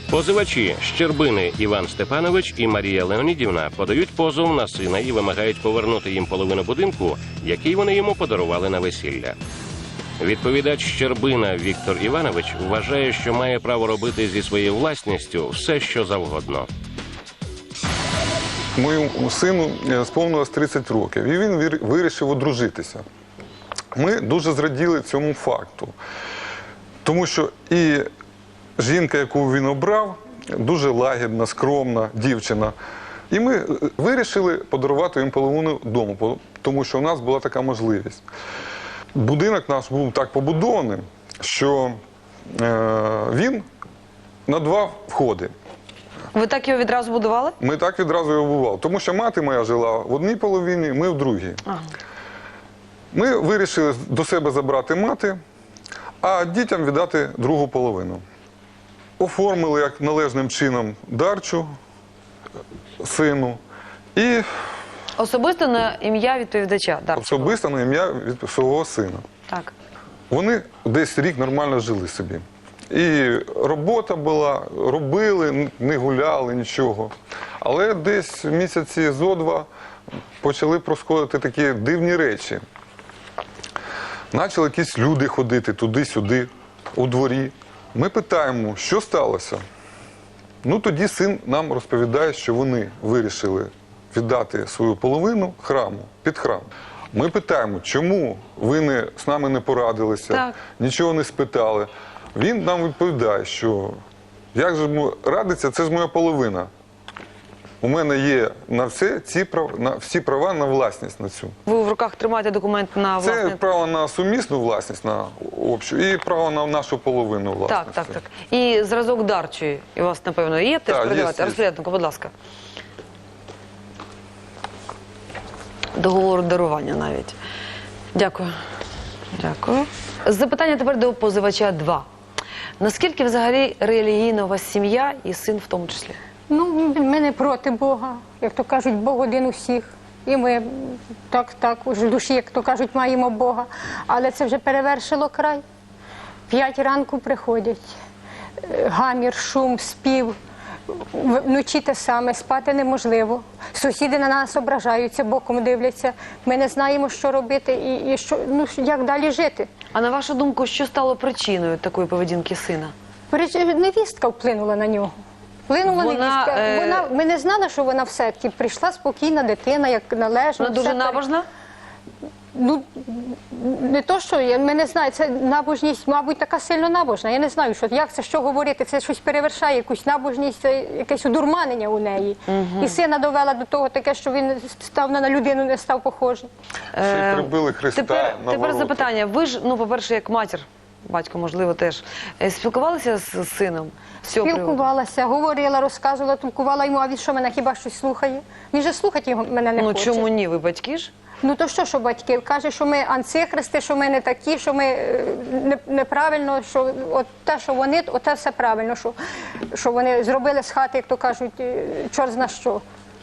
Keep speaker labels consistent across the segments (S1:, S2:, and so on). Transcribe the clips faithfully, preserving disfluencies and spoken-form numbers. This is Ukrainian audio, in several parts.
S1: Позивачі Щербини Іван Степанович і Марія Леонідівна подають позов на сина і вимагають повернути їм половину будинку, який вони йому подарували на весілля. Відповідач Щербина Віктор Іванович вважає, що має право робити зі своєю власністю все, що завгодно.
S2: Моєму сину сповнилось тридцять років, і він вирішив одружитися. Ми дуже зраділи цьому факту, тому що і жінка, яку він обрав, дуже лагідна, скромна дівчина. І ми вирішили подарувати їм половину дому, тому що у нас була така можливість. Будинок наш був так побудований, що він на два входи.
S3: Ви так його відразу будували?
S2: Ми так відразу його будували, тому що мати моя жила в одній половині, ми в другій. Ага. Ми вирішили до себе забрати мати, а дітям віддати другу половину. Оформили як належним чином дарчу сину і...
S3: Особисто на ім'я відповідача дарчого?
S2: Особисто на ім'я від свого сина.
S3: Так.
S2: Вони десь рік нормально жили собі. І робота була, робили, не гуляли, нічого. Але десь місяці зо два почали происходити такі дивні речі. Почали якісь люди ходити туди-сюди, у дворі. Ми питаємо, що сталося? Ну, тоді син нам розповідає, що вони вирішили віддати свою половину храму, під храм. Ми питаємо, чому ви не, з нами не порадилися, так. Нічого не спитали. Він нам відповідає, що як же радиться, це ж моя половина. У мене є на все ці права, на всі права на власність на цю.
S3: Ви в руках тримаєте документ на власність?
S2: Це право на сумісну власність, на общу, і право на нашу половину власності.
S3: Так, так, так. І зразок дарчої у вас, напевно, є теж передавати? Розпоряднику, будь ласка. Договору дарування навіть. Дякую. Дякую. Запитання тепер до позивача два. Наскільки взагалі релігійна у вас сім'я і син в тому числі?
S4: Ну, ми не проти Бога. Як то кажуть, Бог один у всіх. І ми так, так, в душі, як то кажуть, маємо Бога. Але це вже перевершило край. П'ять ранку приходять. Гамір, шум, спів. Вночі те саме, спати неможливо. Сусіди на нас ображаються, боком дивляться. Ми не знаємо, що робити і, і що, ну, як далі жити.
S3: А на вашу думку, що стало причиною такої поведінки сина?
S4: Невістка вплинула на нього. Вплинула
S3: вона,
S4: невістка.
S3: Е...
S4: Вона, ми не знали, що вона в секті. Прийшла спокійна дитина, як належно.
S3: Вона дуже набожна?
S4: Ну, не то, що, ми не знаємо, це набожність, мабуть, така сильно набожна. Я не знаю, що, як це, що говорити, це щось перевершає, якусь набожність, це якесь удурманення у неї. Угу. І сина довела до того таке, що він став на людину, не став похожий.
S2: Ще й прибили Христа
S3: тепер,
S2: на
S3: тепер
S2: ворота.
S3: запитання. Ви ж, ну, по-перше, як матір, батько, можливо, теж, спілкувалися з сином?
S4: Спілкувалася, говорила, розказувала, толкувала йому, а він що, мене хіба щось слухає? Він же слухати його мене не
S3: ну,
S4: хоче.
S3: Ну, чому ні? Ви батьки ж?
S4: Ну, то що, що батьки? Каже, що ми антихристи, що ми не такі, що ми не, неправильно, що от те, що вони, от те все правильно, що, що вони зробили з хати, як то кажуть, чорт зна що.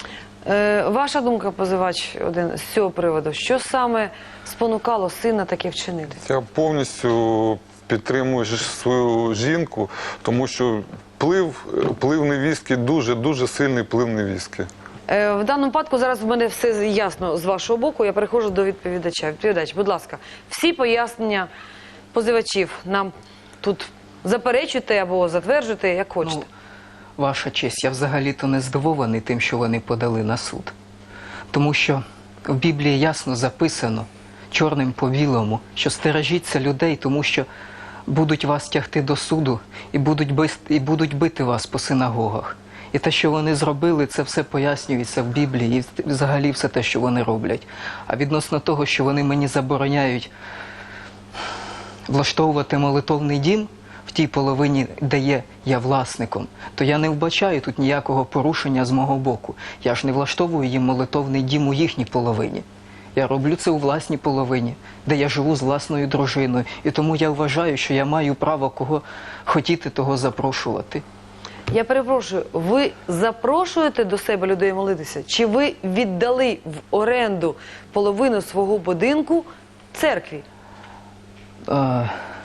S3: Е, ваша думка, позивач один, з цього приводу, що саме спонукало сина таке вчинити?
S2: Я повністю підтримую свою жінку, тому що вплив, вплив невістки, дуже-дуже сильний вплив невістки.
S3: Е, в даному випадку зараз в мене все ясно з вашого боку, я переходжу до відповідача. Відповідач, будь ласка, всі пояснення позивачів нам тут заперечуйте або затверджуйте, як хочете.
S5: Ну, ваша честь, я взагалі-то не здивований тим, що вони подали на суд. Тому що в Біблії ясно записано, чорним по білому, що стережіться людей, тому що будуть вас тягти до суду і будуть, бити, і будуть бити вас по синагогах. І те, що вони зробили, це все пояснюється в Біблії, і взагалі все те, що вони роблять. А відносно того, що вони мені забороняють влаштовувати молитовний дім в тій половині, де є я власником, то я не вбачаю тут ніякого порушення з мого боку. Я ж не влаштовую їм молитовний дім у їхній половині. Я роблю це у власній половині, де я живу з власною дружиною. І тому я вважаю, що я маю право кого хотіти, того запрошувати.
S3: Я перепрошую, ви запрошуєте до себе людей молитися? Чи ви віддали в оренду половину свого будинку церкві?
S5: Е,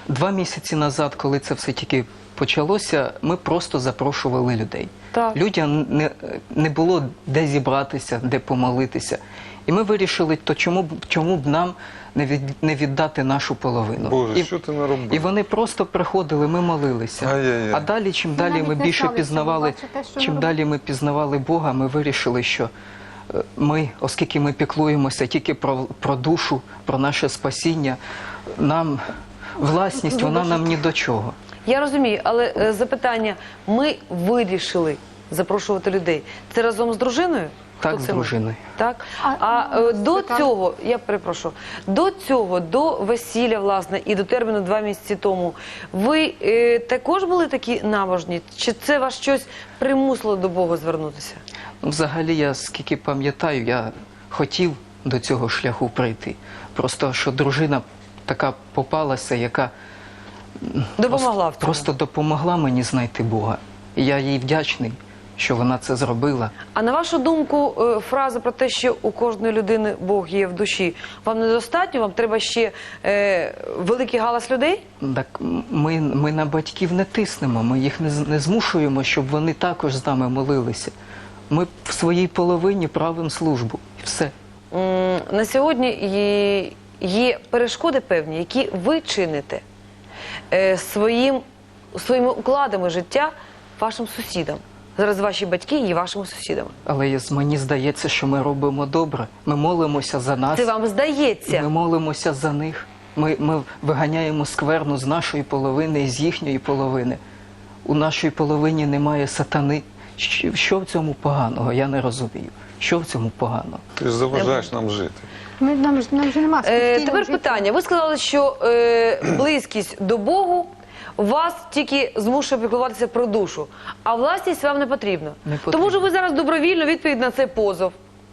S5: Два місяці назад, коли це все тільки почалося, ми просто запрошували людей.
S3: Так.
S5: Людям не, не було де зібратися, де помолитися. І ми вирішили, то чому б, чому б нам не, від, не віддати нашу половину.
S2: Боже,
S5: і,
S2: що ти наробив?
S5: і вони просто приходили, ми молилися.
S2: Ай-яй-яй.
S5: А далі, чим далі
S4: навіть
S5: ми
S4: не
S5: більше
S4: знали, що
S5: пізнавали,
S4: ви бачите, що
S5: чим
S4: ми
S5: далі ми пізнавали Бога, ми вирішили, що е, ми, оскільки ми піклуємося тільки про, про душу, про наше спасіння, нам власність, вона нам ні до чого.
S3: Я розумію, але е, запитання, ми вирішили запрошувати людей. Це разом з дружиною?
S5: Так,
S3: Хто
S5: з
S3: це ми?
S5: дружиною.
S3: Так?
S4: А,
S3: А е, до
S4: Світлана?
S3: цього, я перепрошую, до цього, до весілля, власне, і до терміну два місяці тому, ви е, також були такі набожні? Чи це вас щось примусило до Бога звернутися?
S5: Взагалі, я скільки пам'ятаю, я хотів до цього шляху прийти. Просто, що дружина така попалася, яка
S3: Допомогла в цьому?
S5: просто допомогла мені знайти Бога. І я їй вдячний, що вона це зробила.
S3: А на вашу думку, е, фраза про те, що у кожної людини Бог є в душі, вам недостатньо? Вам треба ще е, великий галас людей?
S5: Так ми, ми на батьків не тиснемо, ми їх не, з- не змушуємо, щоб вони також з нами молилися. Ми в своїй половині правимо службу. І все.
S3: М, На сьогодні є, є перешкоди певні, які ви чините е, своїм, своїми укладами життя вашим сусідам. Зараз ваші батьки є вашими сусідами.
S5: Але я- мені здається, що ми робимо добре. Ми молимося за нас.
S3: Це вам здається.
S5: Ми молимося за них. Ми, ми виганяємо скверну з нашої половини і з їхньої половини. У нашій половині немає сатани. Що, що в цьому поганого? Я не розумію. Що в цьому поганого?
S2: Ти ж заважаєш нам жити.
S4: Ми, нам, ж- нам же нема
S3: Е,
S4: спокійного
S3: тепер
S4: життя.
S3: питання. Ви сказали, що е, близькість до Богу вас тільки змушує піклуватися про душу, а власність вам не потрібна.
S5: Не потрібно.
S3: Тому що ви зараз добровільно відповідь на цей позов.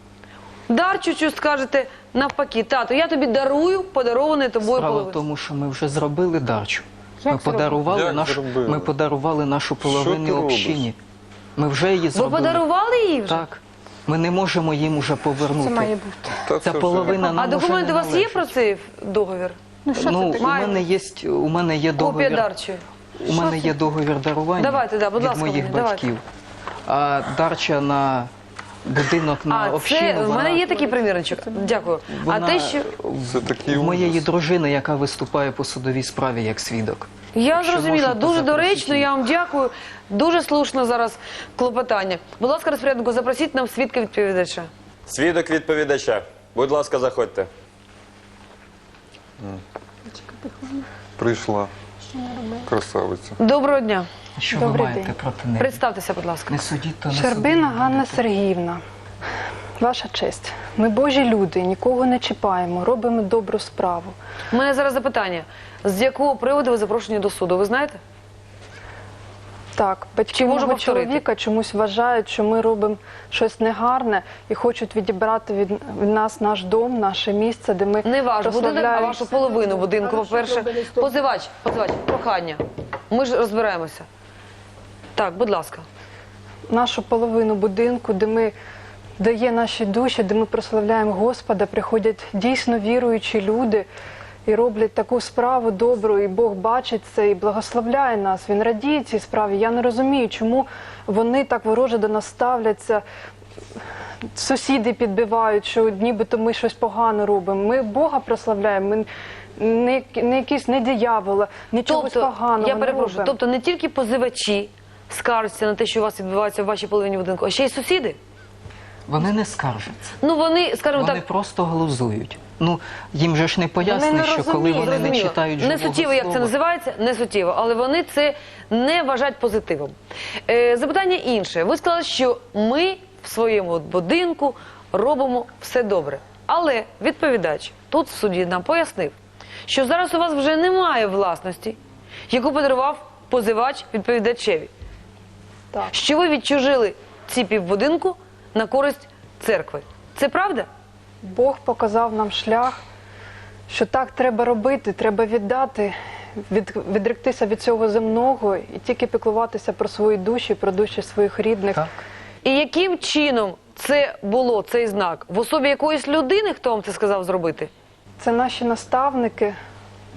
S3: Дарчучу скажете навпаки, тато, я тобі дарую подарований тобою
S5: Справа в
S3: половину.
S5: тому, що ми вже зробили дарчу.
S4: Як
S5: Ми
S4: зробили?
S5: подарували,
S2: Як
S5: нашу,
S2: зробили?
S5: ми подарували нашу
S2: ти
S5: половину
S2: робиш?
S5: общині. Ми вже її
S3: Ви
S5: зробили.
S3: подарували її вже?
S5: Так. Ми не можемо їм уже повернути.
S4: Це має бути.
S2: Та
S5: Ця
S2: це
S5: половина нам
S3: А
S5: уже
S3: документи
S5: не
S3: у вас є
S5: належить.
S3: про цей договір?
S4: Ну що
S5: Ну,
S4: це
S5: у
S4: таке?
S3: Маємо.
S5: мене є, у мене є
S3: Копія
S5: договір.
S3: дарчої.
S5: У мене є договір дарування
S3: Давайте, да, будь
S5: від
S3: ласка,
S5: моїх
S3: мені, давайте.
S5: батьків. А дарча на будинок на
S3: А,
S5: общину,
S3: це в
S5: вона,
S3: мене є такий примірничок. Дякую.
S5: вона
S3: А те, що
S2: Це такий
S5: в моєї
S2: ужас.
S5: дружини, яка виступає по судовій справі як свідок.
S3: я
S5: Що
S3: зрозуміла,
S5: можна
S3: дуже
S5: запросити
S3: доречно,
S5: її?
S3: я вам дякую. Дуже слушно зараз клопотання. Будь ласка, розпоряднику, запросіть нам свідка відповідача.
S6: Свідок відповідача. Будь ласка, заходьте.
S2: Прийшла. Красавиця.
S3: Доброго дня.
S5: Що
S7: Добрий
S5: ви маєте
S7: день.
S5: проти неї?
S3: Представтеся, будь ласка.
S5: Не судіть, то не
S7: Щербина
S5: судіть.
S7: Ганна Сергіївна, ваша честь. Ми божі люди, нікого не чіпаємо, робимо добру справу.
S3: У мене зараз запитання. З якого приводу ви запрошені до суду, ви знаєте?
S7: Так, батьки
S3: Чи можу
S7: мого
S3: повторити?
S7: чоловіка чомусь вважають, що ми робимо щось негарне і хочуть відібрати від, від нас наш дом, наше місце, де ми
S3: Не ваш будинок, а
S7: прославляємо
S3: вашу половину будинку, по-перше. Позивач, позивач, прохання. Ми ж розбираємося. Так, будь ласка.
S7: нашу половину будинку, де ми де є наші душі, де ми прославляємо Господа, приходять дійсно віруючі люди і роблять таку справу добру, і Бог бачить це і благословляє нас. Він радіє цій справі. Я не розумію, чому вони так вороже до нас ставляться. Сусіди підбивають, що нібито ми щось погано робимо. Ми Бога прославляємо, ми не, не якісь не диявола, нічого
S3: Тобто,
S7: поганого
S3: я
S7: не
S3: перепрошую,
S7: робимо.
S3: тобто не тільки позивачі скаржаться на те, що у вас відбувається в вашій половині будинку, а ще й сусіди?
S5: Вони не скаржаться.
S3: Ну вони, скажімо
S5: Вони
S3: так,
S5: просто глузують. Ну, їм же ж не пояснить,
S3: не
S5: що коли
S3: розуміють,
S5: вони не
S3: зрозуміло.
S5: читають
S3: Не
S5: живого
S3: суттєво, як це
S5: слова.
S3: називається, не суттєво, але вони це не вважають позитивом. Е, запитання інше. Ви сказали, що ми в своєму от будинку робимо все добре. Але відповідач тут в суді нам пояснив, що зараз у вас вже немає власності, яку подарував позивач відповідачеві.
S7: Так.
S3: Що ви відчужили ці півбудинку на користь церкви. Це правда?
S7: Бог показав нам шлях, що так треба робити, треба віддати, від, відректися від цього земного і тільки піклуватися про свої душі, про душі своїх рідних.
S5: Так.
S3: І яким чином це було, цей знак? В особі якоїсь людини, хто вам це сказав зробити?
S7: Це наші наставники,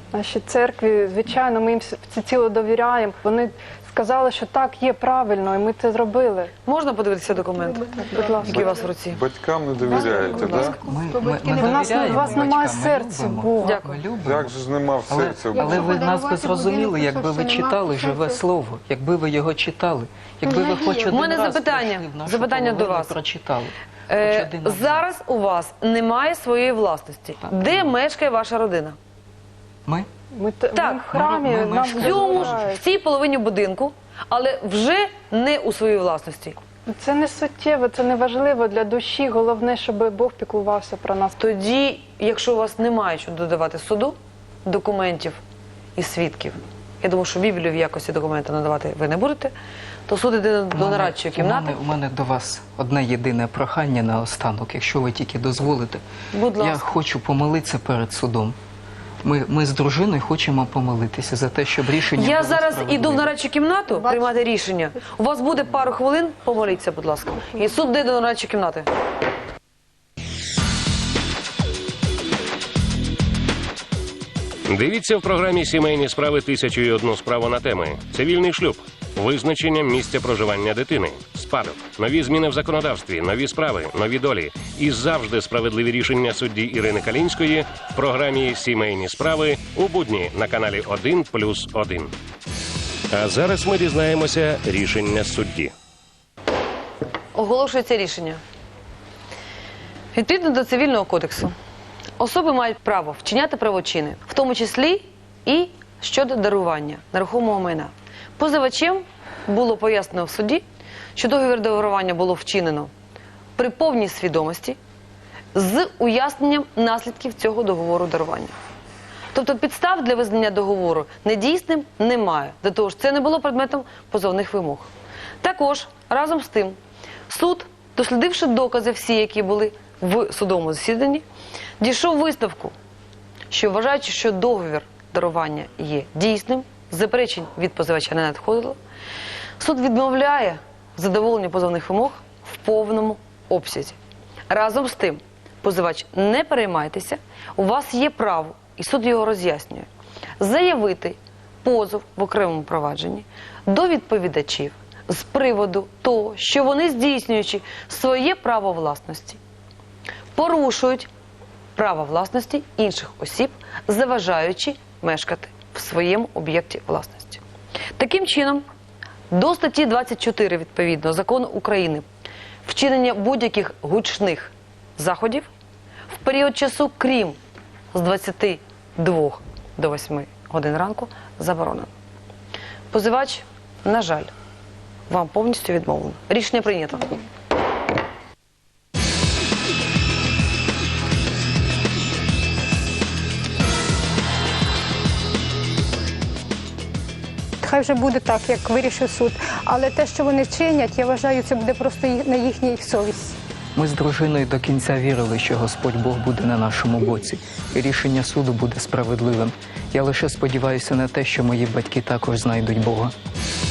S7: нашій церкві. Звичайно, ми їм всеціло довіряємо. Вони сказали, що так, є правильно, і ми це зробили.
S3: Можна подивитися документ,
S7: Будь ласка.
S3: який у вас в руці?
S2: Батькам не довіряєте,
S3: Будь ласка.
S2: так?
S5: Ми, ми, ми
S7: У нас-
S5: довіряємо
S7: у вас немає
S5: батькам, ми
S7: серця
S5: любимо.
S7: Бога.
S3: Дякую.
S5: Ми любимо.
S2: Як же ж нема в
S5: Але,
S2: серці?
S5: але ви нас би
S4: подарувати
S5: зрозуміли,
S4: будинку,
S5: якби ви
S4: що нема
S5: читали живе
S4: серця.
S5: слово, якби ви його читали, якби ви хоч один
S3: У мене
S5: раз
S3: запитання.
S5: прийшли в нашу
S3: Запитання до
S5: половину,
S3: вас.
S5: прочитали.
S3: Е,
S5: Хоч один абзац.
S3: зараз у вас немає своєї власності.
S5: Так.
S3: Де мешкає ваша родина?
S5: Ми?
S7: Ми, те-
S3: Так.
S7: ми в храмі,
S5: Ми- ми- ми
S7: нам
S5: ж
S3: В цьому ж,
S7: дозволяють.
S3: в цій половині будинку, але вже не у своїй власності.
S7: Це не суттєво, це не важливо для душі. Головне, щоб Бог піклувався про нас.
S3: Тоді, якщо у вас немає що додавати суду, документів і свідків, я думаю, що Біблію в якості документа надавати ви не будете, то суд іде
S5: У
S3: до
S5: мене-
S3: нарадчої
S5: У
S3: кімнати.
S5: мене, у мене до вас одне єдине прохання на останок, якщо ви тільки дозволите.
S3: Будь
S5: Я
S3: ласка.
S5: хочу помолитися перед судом. Ми, ми з дружиною хочемо помолитися за те, щоб рішення
S3: Я
S5: було
S3: зараз
S5: справедливе.
S3: іду в нарадчу кімнату приймати рішення. У вас буде пару хвилин, помоліться, будь ласка. І суд йде до нарадчої кімнати.
S1: Дивіться в програмі «Сімейні справи. Тисячу і одну справу» на теми: цивільний шлюб, визначення місця проживання дитини, спадок, нові зміни в законодавстві, нові справи, нові долі і завжди справедливі рішення судді Ірини Калінської в програмі «Сімейні справи» у будні на каналі один плюс один. А зараз ми дізнаємося рішення судді.
S3: Оголошується рішення. Відповідно до Цивільного кодексу, особи мають право вчиняти правочини, в тому числі і щодо дарування нерухомого майна. Позивачем було пояснено в суді, що договір дарування було вчинено при повній свідомості з уясненням наслідків цього договору дарування. Тобто підстав для визнання договору недійсним немає, до того ж це не було предметом позовних вимог. Також, разом з тим, суд, дослідивши докази всі, які були в судовому засіданні, дійшов висновку, що вважаючи, що договір дарування є дійсним, заперечень від позивача не надходило, суд відмовляє задоволення позовних вимог в повному обсязі. Разом з тим, позивач, не переймайтеся, у вас є право, і суд його роз'яснює, заявити позов в окремому провадженні до відповідачів з приводу того, що вони, здійснюючи своє право власності, порушують право власності інших осіб, заважаючи мешкати в своєму об'єкті власності. Таким чином, до статті двадцять чотири, відповідно, Закону України, вчинення будь-яких гучних заходів в період часу, крім з двадцяти двох до восьми годин ранку, заборонено. Позивач, на жаль, вам повністю відмовлено. Рішення прийнято.
S4: Хай вже буде так, як вирішив суд. Але те, що вони чинять, я вважаю, це буде просто ї- на їхній совісті.
S5: Ми з дружиною до кінця вірили, що Господь Бог буде на нашому боці, і рішення суду буде справедливим. Я лише сподіваюся на те, що мої батьки також знайдуть Бога.